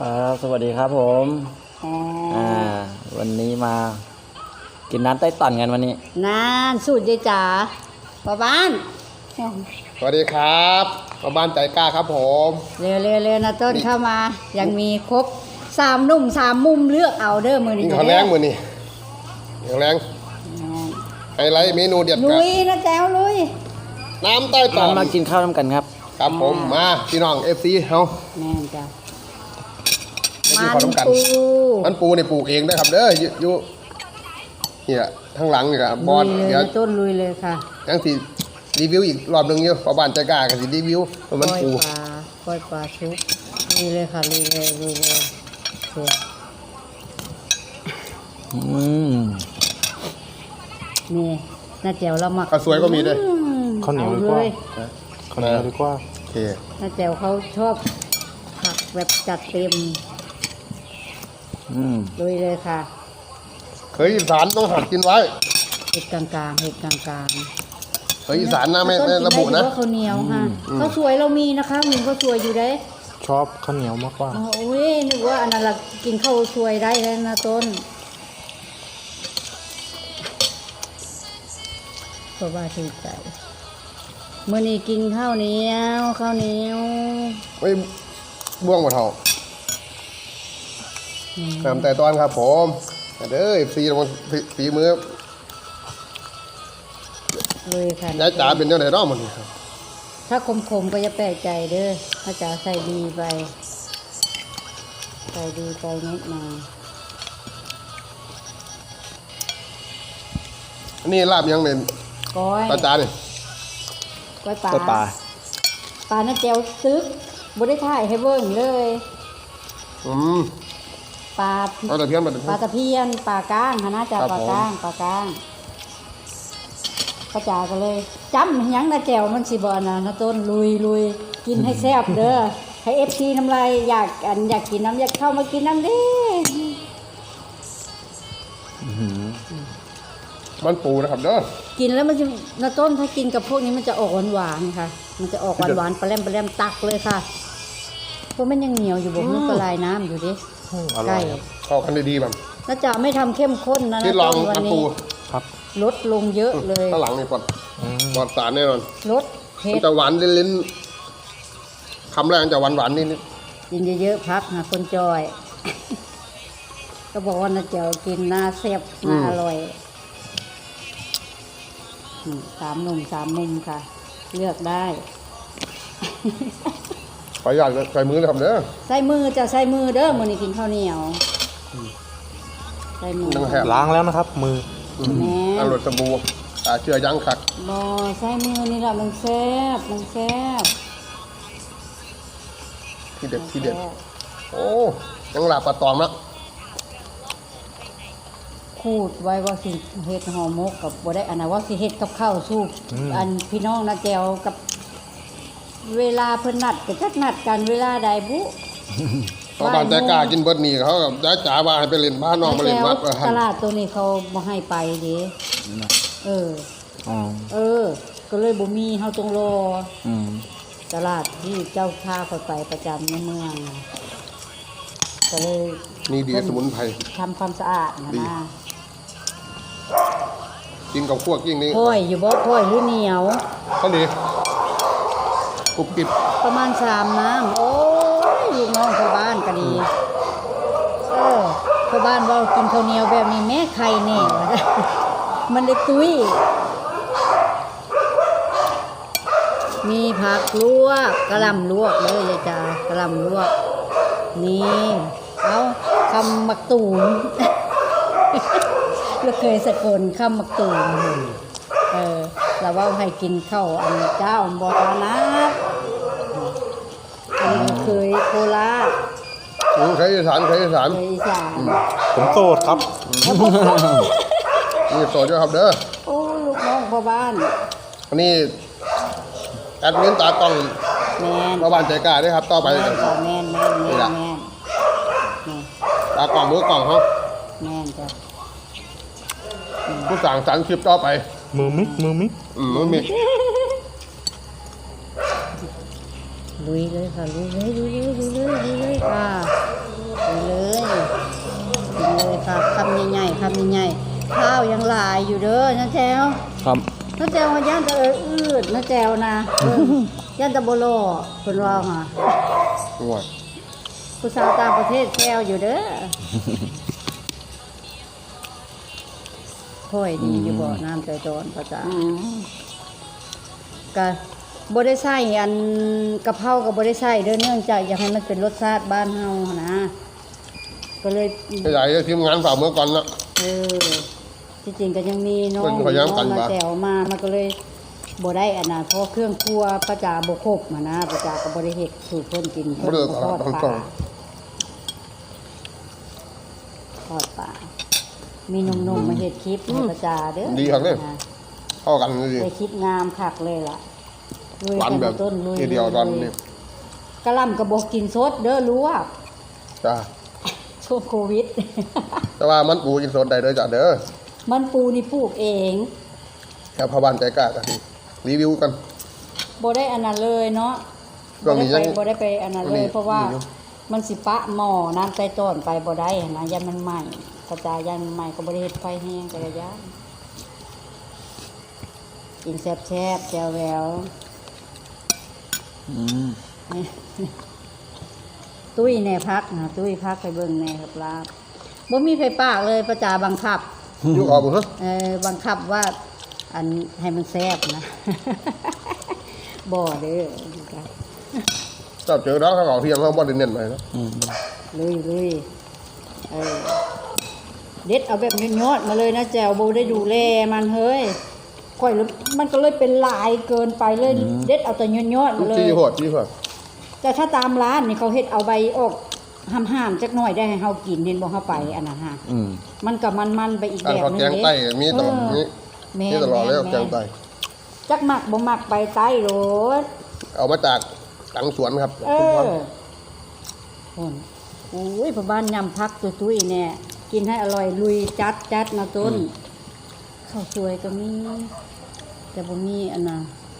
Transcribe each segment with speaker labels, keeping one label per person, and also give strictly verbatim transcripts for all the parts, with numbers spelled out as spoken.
Speaker 1: ครับสวัสดีครับผมอ่าวันนี้มากินน้ำใต้ต่อนกันวันนี้
Speaker 2: นานสูตรยายจ๋าป้าบ้าน
Speaker 3: สวัสดีครับป้าบ้านใจกล้าครับผม
Speaker 2: เร็วเร็วเร็วนะต้นเข้ามายังมีครบสามนุ่มสามมุมเลือกเอาเด้อมือนี้
Speaker 3: ขอแรงมือนี่ขอแรงไฮไลท์เมนูเด็ด
Speaker 2: ลุยนะแจ้วลุย
Speaker 3: น้ำใต้ต่อ
Speaker 1: มากินข้าวน้ำกันครับ
Speaker 3: ครับผมมาพี่น้องเอฟซีเฮา
Speaker 2: แม่จ้ะ
Speaker 3: มันปูมันปูนี่ปลูกเองได้ครับเด้ออยู่เนี่ยทั้งหลังนี่ครับบอล
Speaker 2: เดี๋ยวต้นลุยเลยค่ะ
Speaker 3: ยังสิรีวิวอีกรอบนึงอยู่ป้าบ้านใจกล้ากับสิรีวิวมันปู
Speaker 2: ปลาปล่อยปลาชุบลุยเลยค่ะลุยเลยลุยเลย
Speaker 1: อืม
Speaker 2: นี่น้าแจ๋วเราหมัก
Speaker 3: ข้าวสวยก็มีด้วย
Speaker 1: ข้าวเหนียวดีกว่าข้าวเหนียวดีกว่า
Speaker 3: โอเค
Speaker 2: น้าแจ๋วเขาชอบผักแบบจัดเต็ม
Speaker 1: อืม
Speaker 2: ลุยเลยค่ะ
Speaker 3: เคยอีสานต้องหัดกินไว้
Speaker 2: เห็ดกลางๆเห็ดกลาง
Speaker 3: ๆเคยอีสานนะไม่ไม่ระบุนะ
Speaker 2: ข้าวเหนียวค่ะข้าวสวยเรามีนะคะมีข้าวสวยอยู่ได้
Speaker 1: ชอบข้าวเหนียวมากกว่า
Speaker 2: โอ้ยนึกว่าอันนั้นกินข้าวสวยได้แล้วนะต้นเพราะว่าถือใจเมื่อนี้กินข้าวเหนียวข้าวเหนียว
Speaker 3: ไม่บ่วงหมดเท่าทำแต่ตอนครับผมเด้อฟีลงฝีมือ
Speaker 2: เลยค่ะ
Speaker 3: ยายจ๋าเป็นยังไงรอบมันครับ
Speaker 2: ถ้าคมๆก็จะแปลกใจเด้อถ้าจ๋าใส่ดีไปใส่ดีไปนิดมา
Speaker 3: อันนี้ลาบยังเป็น
Speaker 2: ก้อย
Speaker 3: ปลาจานนี่
Speaker 2: ก้อยปลา
Speaker 1: ปลา
Speaker 2: ปลาหน้าเจียวซึกบ่ได้ถ่ายให้เบิ่งเลย
Speaker 3: อืม
Speaker 2: ปลา
Speaker 3: ปลาตะเพียน
Speaker 2: ปลาตะเพียนปลาก้างนะจ๊ะปลาก้างปลาก้างป้าจ๋าก็เลยจำยังนะแจวมันสิบ่นะนะต้นลุยลุยกินให้แซ่บเด้อให้เอฟซีน้ำลายอยากอันอยากกินน้ำอยากเข้ามากินน้ำดิ
Speaker 3: มันปูนะครับเด้อ
Speaker 2: กินแล้วมันจะนะต้นถ้ากินกับพวกนี้มันจะออกหวานหวานค่ะมันจะออกหวานหวานปลาแรมปลาแรมตักเลยค่ะเพราะมันยังเหนียวอยู่บอกมันก็ลายน้ำอยู่ดิ
Speaker 3: ใกล้เข้ากันได้ดีแบบ
Speaker 2: น่าจะไม่ทำเข้มข้นนะนะ
Speaker 3: ต้นวันนี้
Speaker 1: ครับ
Speaker 2: ลดลงเยอะเลย
Speaker 3: ข้างหลังนี่ปอดปอดสารแน่นอน
Speaker 2: ลดเผ็ด
Speaker 3: จะหวานลิ้นๆคำแรกจะหวานหวานนิดนิด
Speaker 2: กินเยอะๆพักนะคนจอยก็บอกว่าน่าจะกินน่าแซ่บน่าอร่อยสามหนุ่มสามมุมค่ะเลือกได้
Speaker 3: ขออยากใส่มือเลยครับเด้อ
Speaker 2: ใส่มือจะใส่มือเด้อมือนี่กินข้าวเหนียวใส่มือ
Speaker 1: ล้างแล้วนะครับมือ
Speaker 2: แม่
Speaker 3: อร่อยสบู่อ่าเชื่อยังขัด
Speaker 2: บอใส่มือนี่แหละมันแซ่บมันแซ่บ
Speaker 3: ที่เด็ดที่เด็ดโอ้ยังหลับปลาตองนะ
Speaker 2: คูดไว้ว่าสิเห็ดห่อหมกกับบ่ได้อันนั้นว่าสิเห็ดกับข้าวสู้อันพี่น้องนะแจวกับเวลาเพิ่นนัดก็จักนัดกันเวลาใดบุ
Speaker 3: ตบ้านใจกล้ากินเบิดนี่เขากับยายจ๋าว่าให้ไปเล่นบ้านน้องไปเล่นวัด
Speaker 2: ตลาดตัวนี้เขาบ่ให้ไปเด้เออเออก็เลยบ่มีเฮาต้องรอตลาดที่เจ้าพาเขาไปประจำในเมืองก็เลย
Speaker 3: นี่ดีสมุนไพร
Speaker 2: ทำความสะอาดนะนะ
Speaker 3: กินกับพวกยิ่งนี้
Speaker 2: พ่อยอยู่บ่พ่อยหรือเหนียว
Speaker 3: ก็ดีกรุบกริบ
Speaker 2: ประมาณสามน้ำโอ้ยลูกน้องชาวบ้านก็ดีเออชาวบ้านว่ากินข้าวเหนียวแบบนี้แม่ไข่แน่มันได้ตุ้ยมีผักลวกกะหล่ำลวกเลยยายจ๋ากะหล่ำลวกนี่เอาคำมักตูมเราเคยสกลคำมักตูมเออเราว่าให้กินข้าวอันเจ้าบอทานะอันนี้เคยโคราช
Speaker 3: ใครอีสานใครอีสาน
Speaker 2: อีสาน
Speaker 1: ผมโสดครับ
Speaker 3: นี่โสดด้วยครับเด้อ
Speaker 2: โอ้ลูกน้องพ่อบ้าน
Speaker 3: อันนี้แอดมินตากล้อง
Speaker 2: แมน
Speaker 3: พ่อบ้านใจกล้าด้วยครับต่อไป
Speaker 2: แมนแมนแมนแมน
Speaker 3: ตากล้องมือกล้องเขา
Speaker 2: แมนจ้ะ
Speaker 3: ผู้สั่งสรรค์คลิปต่อไป
Speaker 1: มือมิกมือมิก
Speaker 3: อืมมือมิก
Speaker 2: ลุยเลยค่ะลุยเลยลุยเลยลุยเลยลุยเลยค่ะกินเลยกินเลยครับคำใหญ่ๆคำใหญ่ๆข้าวยังหลายอยู่เด้อนะแจว
Speaker 1: ครับ
Speaker 2: นะแจวว่าย่านจะเอออืดนะแจวนะเออย่านตะโบโลเพิ่นว่าค่ะ
Speaker 3: ง่าย
Speaker 2: ผู้สาวต่างประเทศแจวอยู่เด้อค่อยดีอยู่บ่น้ำใจจอนประจาก็บ่ได้ใส่อันกะเพราก็บ่ได้ใส่เด้อเนื่องจากอยากให้มันเป็นรสชาติบ้านเฮาหั้นนะก็เลย
Speaker 3: ใหญ่ๆทีมงานฝ่าเมื่อก่อนนะ
Speaker 2: เออที่จริงก็ยังมีน้อง
Speaker 3: มันพยายามกัน
Speaker 2: น้องมา
Speaker 3: มา
Speaker 2: แจวมามันก็เลยบ่ได้อันน่ะเพราะเครื่องครัวประจาบ่ครบหั้นนะประจาก็บ่ได้เฮ็ดสู่เพิ่นกินเพิ่น
Speaker 3: บ่ได้
Speaker 2: บ่ทอด
Speaker 3: ตลาด
Speaker 2: ป
Speaker 3: ตร
Speaker 2: ลาง ทอดปลามีหนุ่มๆมาเฮ็ดคลิปให้ประจาเด้อ
Speaker 3: ดีครับเนี่ย
Speaker 2: นะ
Speaker 3: เข้ากันเลยดิ
Speaker 2: ได้คลิปงามคักเลยล่ะลุย
Speaker 3: หวาน
Speaker 2: กัน
Speaker 3: แบบ
Speaker 2: ต้นลุย
Speaker 3: ทีเดียวตอนนี้
Speaker 2: กะหล่ำกระบอกกินสดเด้อรู้ว่า
Speaker 3: จ้า
Speaker 2: ช่วงโควิด
Speaker 3: แต่ว่ามันปูกินสดได้เด้อจ้ะเด้อ
Speaker 2: มันปูนี่ปลูกเอง
Speaker 3: แค่พ่อบ้านใจกล้ากันรีวิวกัน
Speaker 2: บ่ได้อันนั้นเลยเนาะ
Speaker 3: ช่วงนี้ยัง
Speaker 2: บ่ได้ไปอันนั้นเลย เพราะว่า
Speaker 3: มีอยู่
Speaker 2: มันสิปะหม้อน้ำใส่ต้นไปบ่ได้หั้นนะยันมันใหม่กระจายยันมันใหม่ก็บ่ได้เฮ็ดไฟแห้งกระยานกินแซ่บๆแจ่วแหวว
Speaker 1: อืม
Speaker 2: นี่ ตุ้ยแน่พักนะตุ้ยพักไปเบิ่งแน่ครับลาบบ่มีไฟปากเลยประจาบังคับ
Speaker 3: อยู่ออกบุญฮะ
Speaker 2: เออบังคับว่าอันให้มันแซ่บนะ บ่เด้อ
Speaker 3: เจ้าเจอแล้วเขาเอาเที่ยงเขาบ่ได้เน้นไปนะ
Speaker 1: อืม
Speaker 2: ลุยลุยเออเด็ดเอาแบบยอดๆมาเลยนะแจวบ่ได้ดูแลมันเฮ้ยค่อยแล้วมันก็เลยเป็นหลายเกินไปเลย เด็ดเอาแต่ยอดๆมาเลย
Speaker 3: ที่โหดที่โหด
Speaker 2: แต่ถ้าตามร้านนี่เขาเฮ็ดเอาใบออกห้ามๆจักหน่อยได้ให้เฮากินเห็นบ่เฮาไปอันนั้นฮะ
Speaker 1: อืม
Speaker 2: มันก็มันๆไปอีก
Speaker 3: การ
Speaker 2: แบบ
Speaker 3: เขา
Speaker 2: นึง
Speaker 3: แกงไต้มีตลอดนี้
Speaker 2: แม่
Speaker 3: มีตลอดแล้วแกงไต้
Speaker 2: จักมักบ่มักไปไต้โลด
Speaker 3: เอามาจากหลังสวนครับ
Speaker 2: เอ
Speaker 3: ชุมพ
Speaker 2: อ
Speaker 3: ร
Speaker 2: คนโอ้ยพ่อบ้านยำพักตุ้ยๆเนี่ยกินให้อร่อยลุยจัดจัดนะต้นข้าวสวยก็มีแต่บ่มีอันน่ะ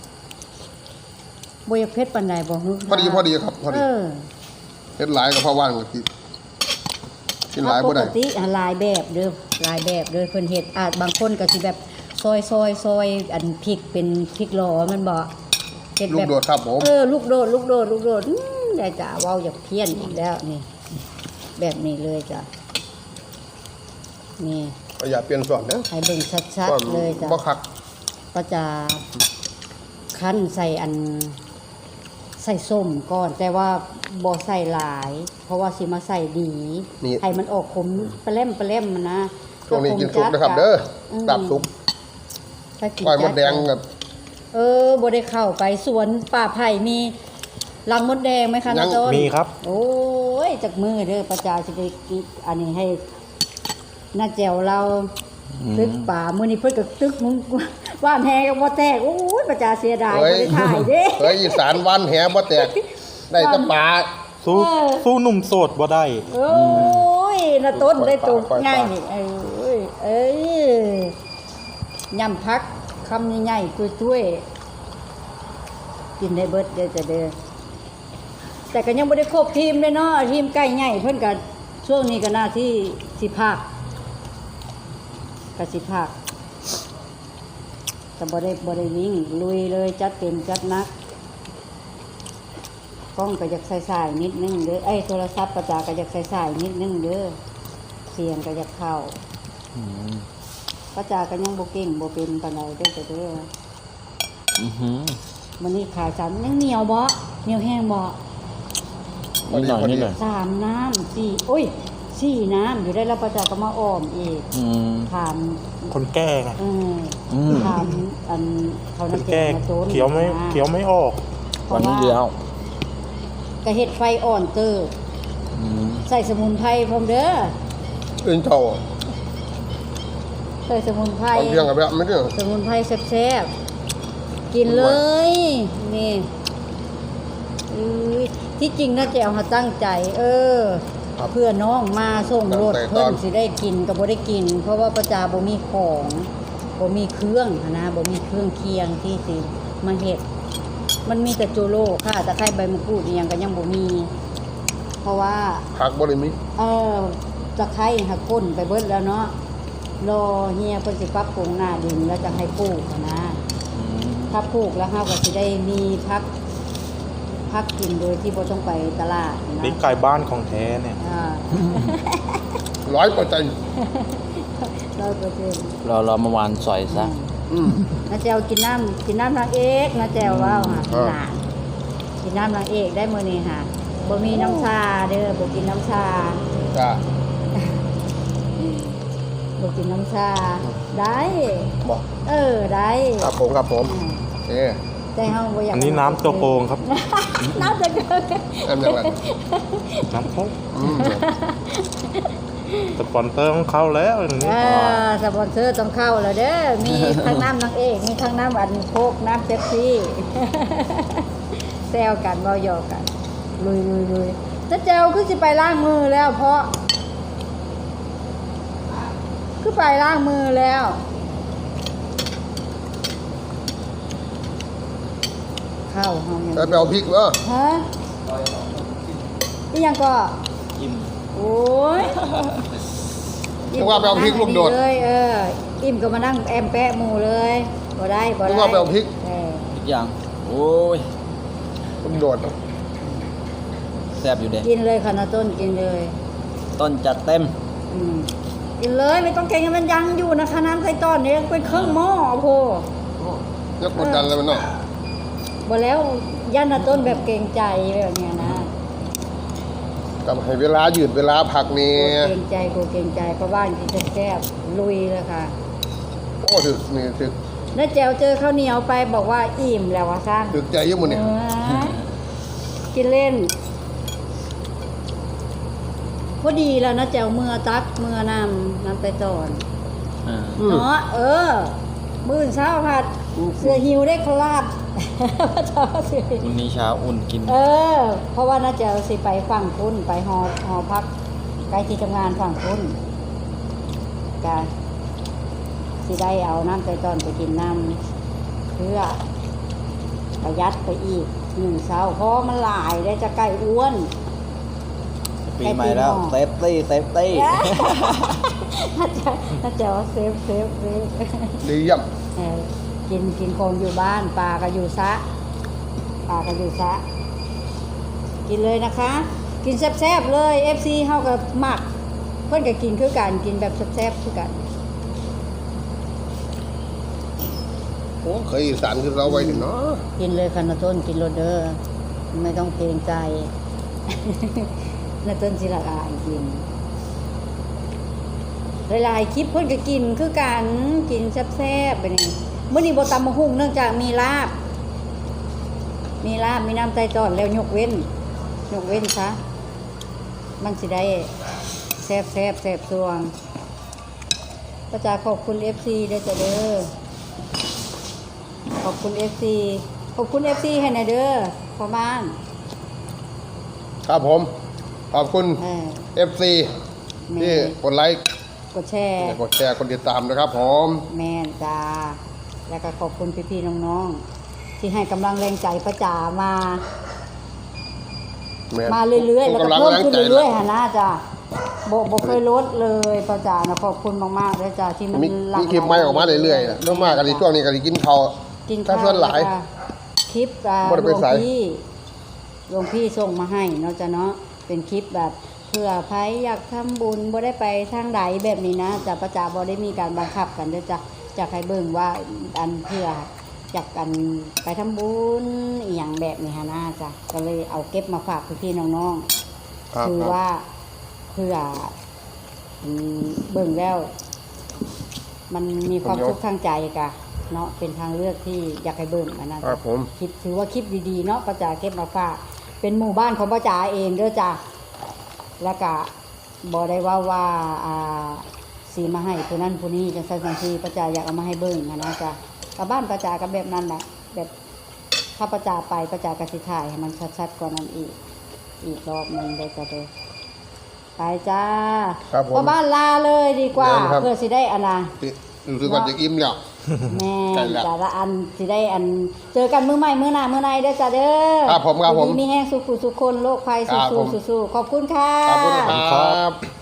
Speaker 2: บ่อยากเผ็ดปานใดบ่ฮึ
Speaker 3: พอดีพอดีครับพอ
Speaker 2: เอ
Speaker 3: ดี
Speaker 2: อ
Speaker 3: เฮ็ดหลายกับพ่อว่างก็กินกินหลายบ่
Speaker 2: ป
Speaker 3: ได้
Speaker 2: กติอ่ะหลายแบบเด้อหลายแบบเด้อเพิ่นเฮ็ดอาจบางคนก็สิแบบซอยซอยซอยอันพริกเป็นพริกหลอมันบ่เฮ็ด
Speaker 3: ลู
Speaker 2: แบ
Speaker 3: ก
Speaker 2: บ
Speaker 3: โดดครับผม
Speaker 2: เออลูกโดดลูกโดดลูกโดดอื้อยายจ๋าเว้าอยากเพี้ยนอีกแล้วนี่ แบบนี้เลยจ้ะนี่
Speaker 3: อย่าเปลี่ยนส่วนนะ
Speaker 2: ให้เบิ่งชัด
Speaker 3: ก่อน
Speaker 2: ๆเลยจ้ะ
Speaker 3: บ่คัก
Speaker 2: ก็จะคั้นใส่อันใส่ส้มก่อน แต่ว่าบ่ใส่หลาย เพราะว่าสิมาใส่ดี
Speaker 3: นี่
Speaker 2: ให้มันออกขมปลาเล่มปลาเล่มมันนะ
Speaker 3: ช่วงนี้กินสุกนะครับ เด้อดับสุก
Speaker 2: ถ้ากิน
Speaker 3: ก้อยม
Speaker 2: จั
Speaker 3: ดแดงกับ
Speaker 2: เออบ่ได้เข้าไปสวนป่าไผ่มีรังมดแดงไหมคะน้าต้น
Speaker 4: มีครับ
Speaker 2: โอ้ยจากมือเด้อประจาสิไปกินอันนี้ให้น้าแจวเราตึกป่ามื้อนี้เพิ่นก็ตึกมึงว่านแฮก็บ่แตกโอ้ยประจาเสียดาย
Speaker 3: เฮ้
Speaker 2: บ่
Speaker 3: ย
Speaker 2: ได้ถ่ายเด้
Speaker 3: เฮ้ยอีสานวันแหบ่แตกได้แตะปลา
Speaker 4: สู้
Speaker 2: เออ
Speaker 4: สู้หนุ่มโสดบ่ได้
Speaker 2: โอ้ยน้าต้นได้ตก
Speaker 3: ปล่อยปลา
Speaker 2: ง่ายนี่เอ้ยเอ้ยยำพักคำใหญ่ๆตุ้ยๆกินได้เบิดเด้อจ้ะเด้อแต่ก็ยังบ่ได้ครบทีมเลยเนาะทีมใกล้ใหญ่เพิ่นก็ช่วงนี้ก็น่าที่สิภาคก็สิภาคแต่บ่ได้บ่ได้วิ่งลุยเลยจัดเต็มจัดหนักกล้องก็อยากใส่ๆนิดนึงเด้อไอ้ยโทรศัพท์ประจาก็อยากใส่ๆนิดนึงเด้อเสียงก็อยากเข้า
Speaker 1: อืม
Speaker 2: ประจาก็ยังบ่เก่งบ่เป็นปานใดเด้อจ้ะเด้อ
Speaker 1: อือหือ
Speaker 2: มื้อนี้ขายสามยังเหนียวบ่เหนียวแห้งบ่
Speaker 3: พอ
Speaker 1: นิด
Speaker 3: ดี
Speaker 1: หน่อย
Speaker 3: พอดี
Speaker 1: นิดหน่อย
Speaker 2: สามน้ำสี่โอ้ยสี่น้ำอยู่ได้แล้วประจาก็มาอ้อมอีก
Speaker 1: อืม
Speaker 2: ถาม
Speaker 4: คนแก่ไง
Speaker 2: เออ
Speaker 1: อืม
Speaker 2: ถามอันเขา
Speaker 4: ค
Speaker 2: นั
Speaker 4: น
Speaker 2: ก
Speaker 4: แก่
Speaker 2: แก่มาโจน
Speaker 4: เขียวไม่เขียวไม่ออก
Speaker 1: วันนี้เดียว
Speaker 2: ก็เฮ็ดไฟอ่อนเตอร์
Speaker 1: อืม
Speaker 2: ใส่สมุนไพรพร้อมเด้อ
Speaker 3: อื่นเท่า
Speaker 2: ใส่สมุนไพร
Speaker 3: เอาเที่ยงกับแบบไม่เรื่อง
Speaker 2: สมุนไพรแซ่บๆกินเลย นี่อื้อที่จริงน่าจะเอามาตั้งใจ เออ
Speaker 3: ครับ
Speaker 2: เพื่อน้องมาส่งรถ
Speaker 3: ตั้งใจต
Speaker 2: เพิ่
Speaker 3: อน
Speaker 2: นสิได้กินก็บ่ได้กิน เพราะว่าประจาบ่มีของบ่มีเครื่องหั้นนะบ่มีเครื่องเคียงที่สิมาเฮ็ดมันมีแต่โจโลค่ะตะไคร้ใบมะกรูดอีหยังก็ยังบ่มีเพราะว่า
Speaker 3: ผักบ่ได้มี
Speaker 2: เออตะไคร้หักก้นไปเบิดแล้วเนาะรอเฮียเพิ่นสิปรับปรุงหน้าดินแล้วจะให้ปลูกอะนะถ้าปลูกแล้วเฮาก็สิได้มีพักพักกินโดยที่บ่ต้องไปตลาดนะ
Speaker 4: นี่ไก่บ้านของแท้เนี่ย
Speaker 2: อ่า
Speaker 3: ร้อยเปอร์เซ็นต์
Speaker 2: ร้อยเปอร์เซ็นต์
Speaker 1: เราเราเมื่อวานสอยซะ
Speaker 3: อืม
Speaker 2: น้าแจวกินน้ำกินน้ำนางเอกน้าแจวว่าค่ะ
Speaker 3: อ่า
Speaker 2: หลานกินน้ำนางเอกได้มื้อนี้ค่ะบ่มีน้ำชาเด้อบ่กินน้ำชา
Speaker 3: จ้า
Speaker 2: บ่กินน้ำชาได้
Speaker 3: บอก
Speaker 2: เออได้
Speaker 3: ครับผมครับผมโอเค
Speaker 2: แต่เฮาบ่อยาก
Speaker 4: อันนี้น้ำตัวโกงครับ
Speaker 2: น้ำจะเกิน
Speaker 3: แอมยังไง
Speaker 4: น้ำเขา
Speaker 3: อืม
Speaker 4: สปอนเซอร์ของเขาแล้วอย่าง
Speaker 2: เอ
Speaker 4: นี้
Speaker 2: อสปอนเซอร์ต้องเข้าแล้วเด้อมีทั้งน้ำนางเอกมีทั้งน้ำอันโคกน้ำเป๊ปซี่ แซวกันเว้าหยอกกันลุยลุยลุยจะเจวคือสิไปล้างมือแล้วเพราะ คือไปล้างมือแล้วเข้าห้องยัง
Speaker 3: แล้วไปเอาพริกเออ
Speaker 2: ฮะนี่ยังก็
Speaker 1: อิ่ม
Speaker 2: โอ้ย
Speaker 3: นึกว่าไปเอาพริกลูกโดด
Speaker 2: เลยเอออิ่มก็มานั่งแอมแปะหมูเลยบ่ได้บ่ได้
Speaker 3: นึกว่าไปเอาพริก
Speaker 2: เออ
Speaker 1: อีกอย่าง โอ้ย
Speaker 3: ลูกโดดเนอะ
Speaker 1: แซ่บอยู่เด็
Speaker 2: กินเลยค่ะนาต้นกินเลย
Speaker 1: ต้นจัดเต็ม
Speaker 2: อืมกินเลยไม่ต้องเก่งมันยังอยู่นะคะน้ำไส้ต้อนเนี่ยเป็นเครื่องหม้อโพ
Speaker 3: ยกกดดันเลยมันเนาะ
Speaker 2: บ่แล้วย่านนาต้นแบบเกรงใจแบบเนี้ยนะ
Speaker 3: กับให้เวลายืดเวลาผักนี่
Speaker 2: กูเกรงใจกูเกรงใจเพราะบ้านกินแซ่บๆลุยเลยค่ะ
Speaker 3: โอ้ถึกนี่ถึก
Speaker 2: น้าแจวเจอข้าวเหนียวไปบอกว่าอิ่มแล้ววะซ่าง
Speaker 3: ถึกใจเยอะหมดเนี่ย
Speaker 2: เออกินเล่นพอดีแล้วนะแจวเมื่อตักเมื่อนำน้ำไปตอน
Speaker 1: อ่า
Speaker 3: อืม
Speaker 2: เนาะเออ มื้อเช้าผัดเสือหิวได้คลาด เช้าเสือหิว
Speaker 1: วันนี้เช้าอุ่นกิน
Speaker 2: เออ เพราะว่าน้าแจวสิไปฝั่งคุณไปหอหอพักใกล้ที่ทำงานฝั่งคุณกะสิได้เอาน้ำไปตอนไปกินน้ำเพื่อประหยัดไปอีกหนึ่งเช้าเพราะมันหลายได้จะใกล้อ้วน
Speaker 1: ปีใหม่แล้ว เซฟตี้ เซฟตี้
Speaker 2: ถ้าจะถ้าจะว่าเซฟเซฟเซฟ
Speaker 3: ดีเยี่ยม
Speaker 2: เออกินกินของอยู่บ้านปลาก็อยู่ซะปลาก็อยู่ซะกินเลยนะคะ กินแซ่บๆเลย เอฟ ซี เฮากับหมัก เพิ่นก็กินคือกันกินแบบแซ่บๆคือกัน
Speaker 3: โอ้เคยอีสานคือเราไว้ถึงเนาะ
Speaker 2: กินเลยค่ะนาต้นกินโรเดอร์ไม่ต้องเกรงใจ นาต้นสิละอายกินหลายๆคลิปเพิ่นก็กินคือกันกินแซ่บๆไปนี่มื้อนี้บ่ตำมะฮุ่งเนื่องจากมีลาบ มีลาบมีน้ำไตจอดแล้วยกเว้น ยกเว้นซะมันสิได้แซ่บแซ่บแซ่บสวงก็จะขอบคุณ เอฟ ซี เด้อจ้ะเด้อขอบคุณ เอฟ ซี ขอบคุณ เอฟ ซี ให้หน่อยเด้อพ่อบ้าน
Speaker 3: ครับผม ขอบคุณ
Speaker 2: เออ
Speaker 3: เอฟ ซี
Speaker 2: แม่
Speaker 3: ที่กดไลค์
Speaker 2: กดแชร์
Speaker 3: กดแชร์กดติดตามนะครับผม
Speaker 2: แม่นจ้าแล้วก็ขอบคุณพี่ๆน้องๆที่ให้กำลังแรงใจประจามา
Speaker 3: แม่
Speaker 2: มาเรื่อยๆ แล้วก็
Speaker 3: กำลัง
Speaker 2: เพิ่ม
Speaker 3: แรง
Speaker 2: ขึ้น
Speaker 3: ใจ
Speaker 2: เรื่อยๆหะนะจ้ะโบโบเคยลดเลยประจานะขอบคุณมากๆเลยจ้ะที่มัน
Speaker 3: มี
Speaker 2: หลาก
Speaker 3: มีคลิปใหม่ออกมาเรื่อยๆนะเรื่องมากกันในช่วงนี้กันกินข้าว
Speaker 2: กิน
Speaker 3: ถ้า
Speaker 2: ข้าว
Speaker 3: ส่วนหลาย
Speaker 2: จ้ะคลิปอ่า
Speaker 3: บ่ได้
Speaker 2: หล
Speaker 3: ไป
Speaker 2: วง
Speaker 3: ไส
Speaker 2: พี่หลวงพี่ส่งมาให้เนาะจ้ะเนาะเป็นคลิปแบบเพื่อใครอยากทำบุญบ่ได้ไปทางใดแบบนี้นะจ้ะประจาบ่ได้มีการบังคับกันเด้อจ้ะจะให้เบิ่งว่าอันเพื่ออยากกันไปทำบุญอีหยังแบบนี้ฮะนะจ้ะก็เลยเอาเก็บมาฝากพี่ๆน้องๆ
Speaker 3: ครับ
Speaker 2: คือ
Speaker 3: ครับ
Speaker 2: ว่าเพื่ออืมเบิ่งแล้ว มันมีความสุขทางใจกะเนาะเป็นทางเลือกที่อยากให้เบิ่งอันนั้น
Speaker 3: ครับผม
Speaker 2: คลิปถือว่าคลิปดีๆเนาะป้าจ๋าเก็บมาฝากเป็นหมู่บ้านของป้าจ๋าเองเด้อจ้ะแล้วก็บ่ได้ว่าว่าอ่าสีมาให้ผู้นั้นผู้นี้จังซั่นจังซี่ป้าจ๋าอยากเอามาให้เบิ่งอะนะจ้ะกับบ้านป้าจ๋าก็แบบนั้นแหละแบบถ้าป้าจ๋าไปป้าจ๋าก็สิถ่ายให้มันชัดๆกว่านั้นอีก อีกรอบหนึงได้จ้ะเด้อไปจ้า
Speaker 3: ครับผม
Speaker 2: พ่อบ้านลาเลยดีกว่า
Speaker 3: เดินครับ
Speaker 2: เพื่อสิได้อันน่ะ
Speaker 3: รู้สึกว่าจะอิ่มแล้ว
Speaker 2: แม่
Speaker 3: ใช่แล้ว
Speaker 2: จ้าละอันสิได้อันเจอกันมื้อใหม่มื้อหน้ามื้อในเด้อจ้าเด้อ
Speaker 3: ครับผมครับผม
Speaker 2: ดีมีแห้งสุขุสุขคนโรคภัย
Speaker 3: ครับผม
Speaker 2: สู้ๆสู้ๆขอบคุณค่ะ
Speaker 3: ขอบคุณครับ